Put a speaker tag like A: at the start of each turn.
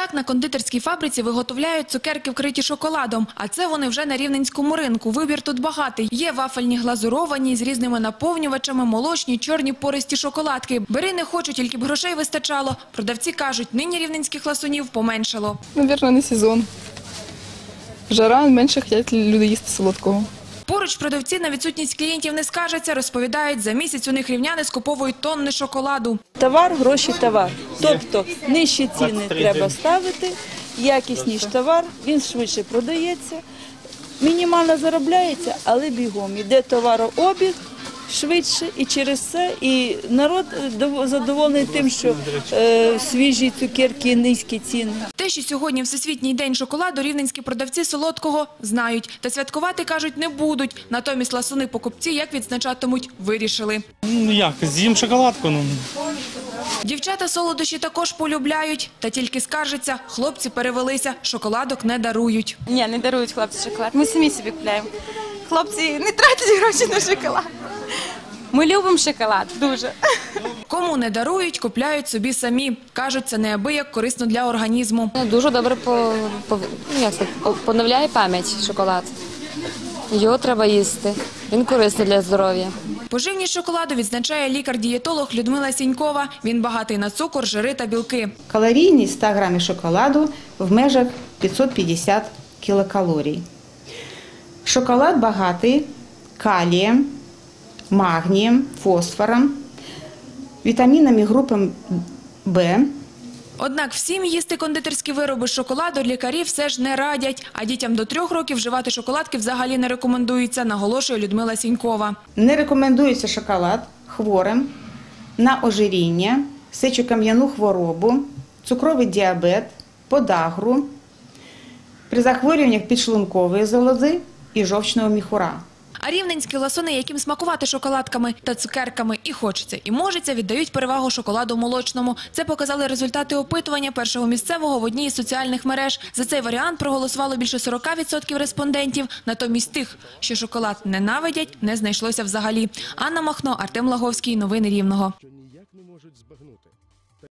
A: Так, на кондитерській фабриці виготовляють цукерки, вкриті шоколадом. А це вони вже на рівненському ринку. Вибір тут багатий. Є вафельні глазуровані, з різними наповнювачами, молочні, чорні пористі шоколадки. Бери не хочу, тільки б грошей вистачало. Продавці кажуть, нині рівненських ласунів поменшало.
B: Навірно, не сезон. Жара, менше хочуть люди їсти солодкого.
A: Поруч продавці на відсутність клієнтів не скаржаться, розповідають, за місяць у них рівняни скуповують тонни шоколаду.
C: Товар, гроші, товар. Тобто нижчі ціни треба ставити, якісніший товар, він швидше продається, мінімально заробляється, але бігом. Йде товарообіг швидше і через це і народ задоволений тим, що свіжі цукерки, низькі ціни.
A: Те, що сьогодні Всесвітній день шоколаду, рівненські продавці солодкого знають. Та святкувати, кажуть, не будуть. Натомість ласуни покупці, як відзначатимуть, вирішили.
D: Як, з'їм шоколадку.
A: Дівчата солодощі також полюбляють. Та тільки скаржаться, хлопці перевелися, шоколадок не дарують.
E: Ні, не дарують хлопці шоколад. Ми самі собі купляємо. Хлопці не тратять гроші на шоколад. Ми любимо шоколад, дуже.
A: Кому не дарують, купляють собі самі. Кажуть, це неабияк корисно для організму.
F: Дуже добре поновляє пам'ять шоколад. Його треба їсти. Він корисний для здоров'я.
A: Поживність шоколаду відзначає лікар-дієтолог Людмила Сінькова. Він багатий на цукор, жири та білки.
G: Калорійність 100 грамів шоколаду в межах 550 кілокалорій. Шоколад багатий калієм, магнієм, фосфором, вітамінами групи В.
A: Однак всім їсти кондитерські вироби з шоколаду лікарі все ж не радять. А дітям до 3 років вживати шоколадки взагалі не рекомендується, наголошує Людмила Сінькова.
G: Не рекомендується шоколад хворим на ожиріння, сечокам'яну хворобу, цукровий діабет, подагру, при захворюваннях підшлункової залози і жовчного міхура.
A: А рівненські ласуни, яким смакувати шоколадками та цукерками і хочеться, і можеться, віддають перевагу шоколаду молочному. Це показали результати опитування першого місцевого в одній із соціальних мереж. За цей варіант проголосувало більше 40% респондентів. Натомість тих, що шоколад ненавидять, не знайшлося взагалі. Анна Махно, Артем Лаговський. Новини Рівного.